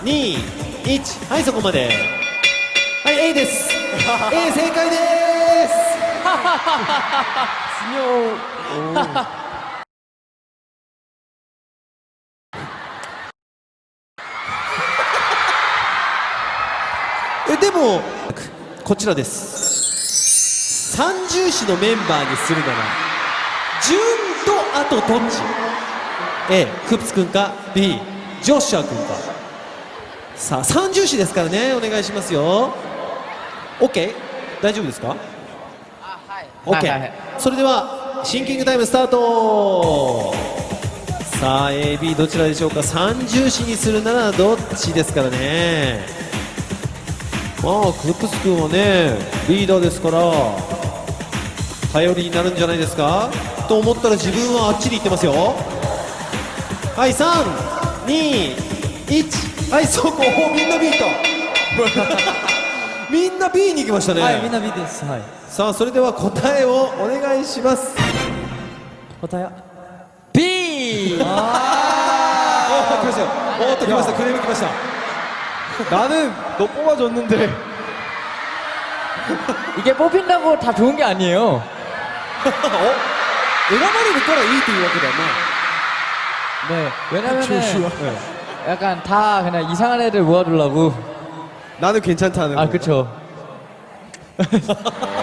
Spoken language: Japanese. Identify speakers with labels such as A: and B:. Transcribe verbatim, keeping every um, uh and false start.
A: にいち、はい、そこまで。はい、A です。A 正解です。えでもこちらです。三重視のメンバーにするなら順とあとどっち？ A クプス君か B ジョシュア君か。さあ三重視ですからね、お願いしますよ。 OK？ 大丈夫ですか？ OK、それではシンキングタイムスタート。さあ エービー どちらでしょうか。三重視にするならどっちですからね。まあクプス君はねリーダーですから頼りになるんじゃないですかと思ったら、自分はあっちに行ってますよ。はい、さんにいち、はい、そこみんな B とみんな B に行きましたね。
B: はい、みんな B です。はい。
A: さあそれでは答えをお願いします。
B: 答え B。
A: ああ来ましたよ。おーっと来ました。クレーム来ました。
B: 나는 너 뽑아줬는데 이게 뽑힌다고 다 좋은 게 아니에요.
A: 어? 選ばれるからいいというわけだな。
B: 네, 왜냐면은 네, 약간 다 그냥 이상한 애들 모아두려고.
A: 나는 괜찮다는
B: 아,
A: 거.
B: 그쵸.